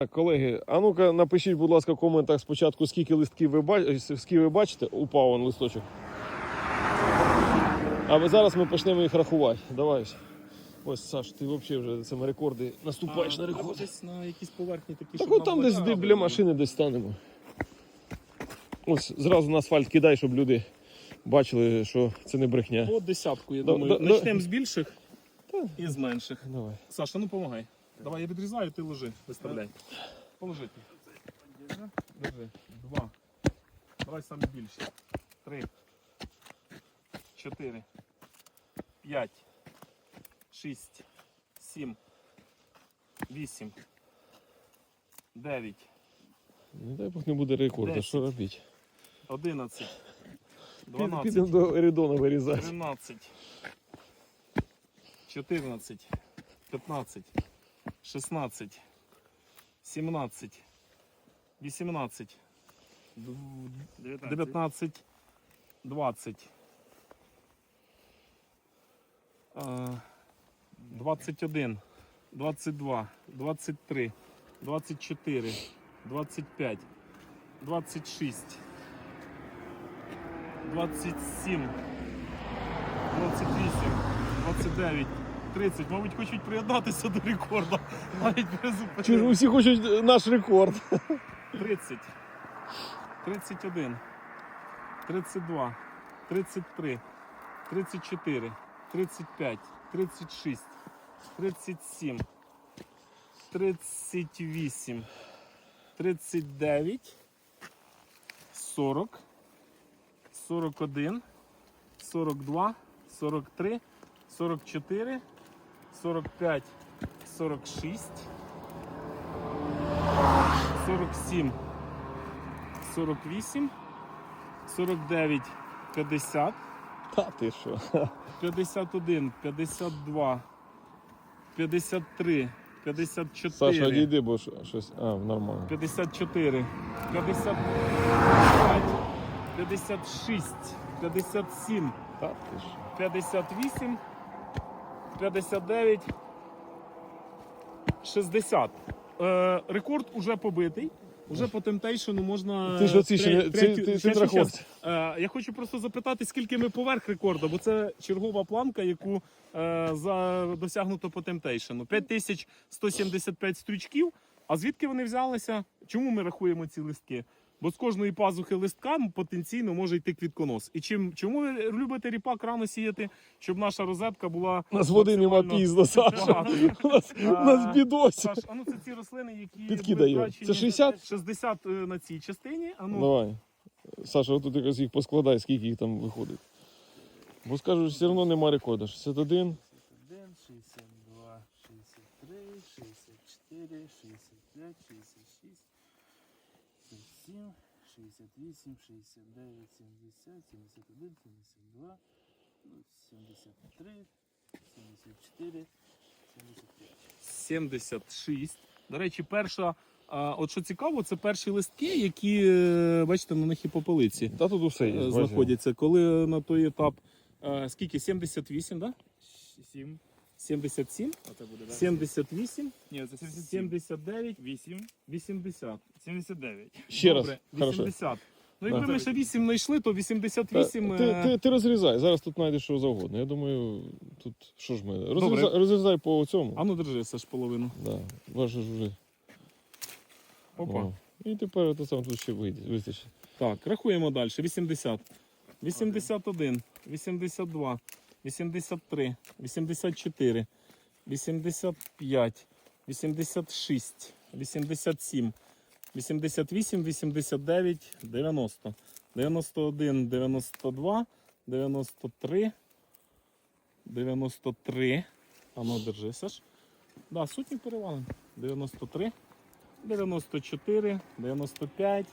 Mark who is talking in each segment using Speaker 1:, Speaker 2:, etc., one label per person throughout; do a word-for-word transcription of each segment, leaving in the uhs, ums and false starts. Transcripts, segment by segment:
Speaker 1: Колеги, а ну-ка напишіть, будь ласка, в коментах спочатку, скільки листків ви бачите, скільки ви бачите, упав он листочок. А зараз ми почнемо їх рахувати. Давай. Ось, Саш, ти взагалі вже цими рекорди наступаєш
Speaker 2: а,
Speaker 1: на рекорди.
Speaker 2: Десь на якісь поверхні такі,
Speaker 1: Так
Speaker 2: щоб
Speaker 1: от там десь
Speaker 2: вода,
Speaker 1: біля машини десь станемо. Ось зразу на асфальт кидай, щоб люди бачили, що це не брехня.
Speaker 2: По десятку, я
Speaker 1: Да,
Speaker 2: думаю.
Speaker 1: да,
Speaker 2: Почнемо
Speaker 1: да.
Speaker 2: з більших
Speaker 1: Та.
Speaker 2: і з менших.
Speaker 1: Давай.
Speaker 2: Саша, ну помагай. Давай, я відрізаю, ти ложи, виставляй. Положи. Держи. Два. Давай саме більше. Три. Чотири. П'ять. Шість. Сім. Вісім. Дев'ять.
Speaker 1: Не дай Бог не буде рекорду,
Speaker 2: Десять.
Speaker 1: що робити?
Speaker 2: Одинадцять.
Speaker 1: Підемо
Speaker 2: Дванадцять.
Speaker 1: до Еридона вирізати.
Speaker 2: тринадцять. чотирнадцять. п'ятнадцять. шістнадцять. сімнадцять. вісімнадцять. дев'ятнадцять. двадцять. двадцять один. двадцять два. двадцять три. двадцять чотири. двадцять п'ять. двадцять шість. двадцять сім. двадцять вісім. двадцять дев'ять. тридцять. Мабуть, хочуть приєднатися до рекорду. Навіть без
Speaker 1: Чи ж усі хочуть наш рекорд?
Speaker 2: тридцять. тридцять один. тридцять два. тридцять три. тридцять чотири. тридцять п'ять. тридцять шість. тридцять сім. тридцять вісім. тридцять дев'ять. сорок. сорок один. сорок два. сорок три. сорок чотири. сорок п'ять. сорок шість. сорок сім. сорок вісім. сорок дев'ять. п'ятдесят.
Speaker 1: Та ти що?
Speaker 2: п'ятдесят один. п'ятдесят два. п'ятдесят три. п'ятдесят
Speaker 1: Саша,
Speaker 2: чотири.
Speaker 1: одійди, бо що- щось. А, нормально.
Speaker 2: п'ятдесят чотири. п'ятдесят п'ять. п'ятдесят шість. п'ятдесят сім.
Speaker 1: Та ти що?
Speaker 2: п'ятдесят вісім. п'ятдесят дев'ять. шістдесят. Е, рекорд уже побитий. Уже по темптейшену можна...
Speaker 1: Ти ж оці ще не-
Speaker 2: тре-
Speaker 1: ти-
Speaker 2: третю-
Speaker 1: ти- ти
Speaker 2: ще- ще-
Speaker 1: рахуєш.
Speaker 2: ще. Е, я хочу просто запитати, скільки ми поверх рекорду, бо це чергова планка, яку е, за, досягнуто по темптейшену. п'ять тисяч сто сімдесят п'ять стрючків. А звідки вони взялися? Чому ми рахуємо ці листки? Бо з кожної пазухи листка потенційно може йти квітконос. І чим, чому ви любите ріпак рано сіяти, щоб наша розетка була...
Speaker 1: У нас води нема
Speaker 2: максимально
Speaker 1: пізно, Саша.
Speaker 2: багатою?
Speaker 1: У нас, у нас бідосі.
Speaker 2: Саш, а ну це ці рослини, які
Speaker 1: Підкидаю.
Speaker 2: були втрачені.
Speaker 1: Це шістдесят?
Speaker 2: шістдесят на цій частині. А ну,
Speaker 1: Давай. Саша, отут якось їх поскладай, скільки їх там виходить. Бо скажуть, все одно нема рекорду. шістдесят один.
Speaker 3: один, шістдесят два, шістдесят три, шістдесят чотири, шістдесят п'ять, шістдесят шість, шістдесят сім, шістдесят вісім, шістдесят дев'ять, сімдесят, сімдесят один, сімдесят два, сімдесят три, сімдесят чотири, сімдесят п'ять.
Speaker 2: сімдесят шість. До речі, перша, а, от що цікаво, це перші листки, які, е, бачите, на них і попелиці
Speaker 1: Та тут усе є.
Speaker 2: е,
Speaker 1: бачиш.
Speaker 2: знаходяться. Коли на той етап, е, скільки? сімдесят вісім, так? Да?
Speaker 3: сім.
Speaker 2: сімдесят сім,
Speaker 3: Оце буде, так?
Speaker 2: сімдесят вісім,
Speaker 3: Ні, це сімдесят сім.
Speaker 2: сімдесят дев'ять,
Speaker 3: вісім.
Speaker 2: вісімдесят.
Speaker 3: сімдесят дев'ять.
Speaker 1: Ще раз.
Speaker 2: Добре,
Speaker 1: Хорошо.
Speaker 2: вісімдесят. Ну, якби
Speaker 1: Да.
Speaker 2: ми ще вісім знайшли, то вісімдесят
Speaker 1: Та,
Speaker 2: вісім...
Speaker 1: ти,
Speaker 2: е,
Speaker 1: ти, ти розрізай, зараз тут знайдеш що завгодно. Я думаю, тут що ж ми. Розрізай,
Speaker 2: Добре.
Speaker 1: розрізай по цьому.
Speaker 2: А ну держи, Саш, половину.
Speaker 1: Да, ваше ж вже.
Speaker 2: Опа.
Speaker 1: О. І тепер це сам тут ще вийде, вистачить.
Speaker 2: Так, рахуємо далі. вісімдесят. вісімдесят один, вісімдесят два, вісімдесят три, вісімдесят чотири, вісімдесят п'ять, вісімдесят шість, вісімдесят сім, вісімдесят вісім, вісімдесят дев'ять, дев'яносто, дев'яносто один, дев'яносто два, дев'яносто три, дев'яносто три. А ну, держи, Саш. Да, сотню перевалимо. дев'яносто три, дев'яносто чотири, дев'яносто п'ять,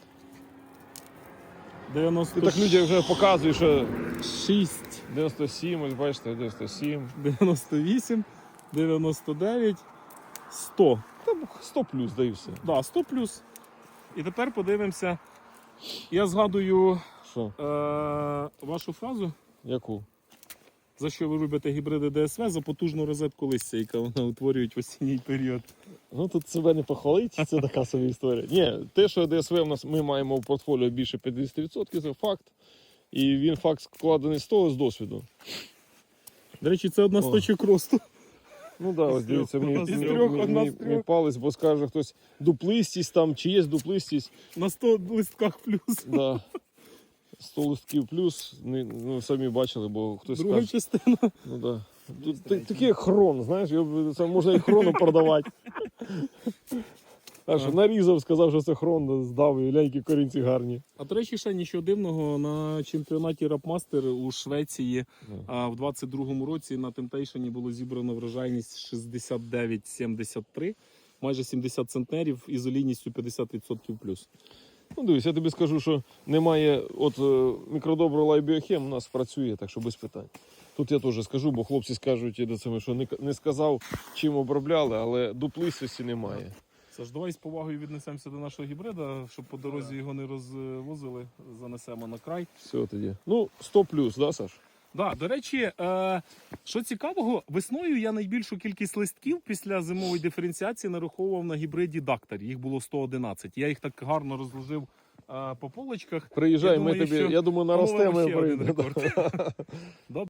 Speaker 2: дев'яносто
Speaker 1: Ти так людям вже показуєш, що
Speaker 2: шість,
Speaker 1: дев'яносто сім, ось бачите, дев'яносто сім.
Speaker 2: дев'яносто вісім, дев'яносто дев'ять, сто.
Speaker 1: Там сто плюс, да і все.
Speaker 2: Да, сто плюс. І тепер подивимося. Я згадую
Speaker 1: Що?
Speaker 2: е- вашу фразу.
Speaker 1: Яку?
Speaker 2: За що ви робите гібриди ДСВ? За потужну розетку листя, яка вона утворюють в осінній період.
Speaker 1: Ну тут себе не похвалить, це така собі історія. Ні, те, що ДСВ у нас ми маємо в портфоліо більше п'ятдесят відсотків, це факт. І він факт складений з того, з досвіду.
Speaker 2: До речі, це одна з
Speaker 1: О.
Speaker 2: точок росту.
Speaker 1: Ну так, ось дивіться, мій,
Speaker 2: Із
Speaker 1: мій,
Speaker 2: трьох,
Speaker 1: мій,
Speaker 2: одна
Speaker 1: мій,
Speaker 2: з трьох.
Speaker 1: мій палець, бо скаже хтось дуплистість там, чи є дуплистість.
Speaker 2: На сто листках плюс.
Speaker 1: Да. сто листків плюс, не- ну самі бачили, бо хтось
Speaker 2: Друга
Speaker 1: скаже.
Speaker 2: частина.
Speaker 1: Ну да. Тут та- такий як хрон, знаєш, його, це можна і хрону продавати. Так що нарізав, сказав, що це хрон, здав, і ляйки корінці гарні.
Speaker 2: А до речі, ще нічого дивного, на чемпіонаті Рапмастер у Швеції
Speaker 1: Ну.
Speaker 2: а, в двадцять другому році на Темтейшені було зібрано врожайність шістдесят дев'ять сімдесят три, майже сімдесят центнерів із олійністю п'ятдесят відсотків плюс.
Speaker 1: Ну дивись, я тобі скажу, що немає, от е, мікродобро Лайбіохем у нас працює, так що без питань. Тут я теж скажу, бо хлопці скажуть, до цього, що не, к- не сказав, чим обробляли, але дуплистості немає.
Speaker 2: Саш, давай з повагою віднесемося до нашого гібрида, щоб по дорозі його не розвозили, занесемо на край.
Speaker 1: Все тоді. Ну, сто плюс, да, Саш?
Speaker 2: Да, до речі, е, що цікавого, весною я найбільшу кількість листків після зимової диференціації нараховував на гібриді Дактор. Їх було сто одинадцять. Я їх так гарно розложив е, по полочках.
Speaker 1: Приїжджай,
Speaker 2: Я
Speaker 1: ми
Speaker 2: думаю,
Speaker 1: тобі,
Speaker 2: що
Speaker 1: я думаю, наростемо
Speaker 2: По-моєму,
Speaker 1: і
Speaker 2: ще один
Speaker 1: прийде.
Speaker 2: рекорд. Добре.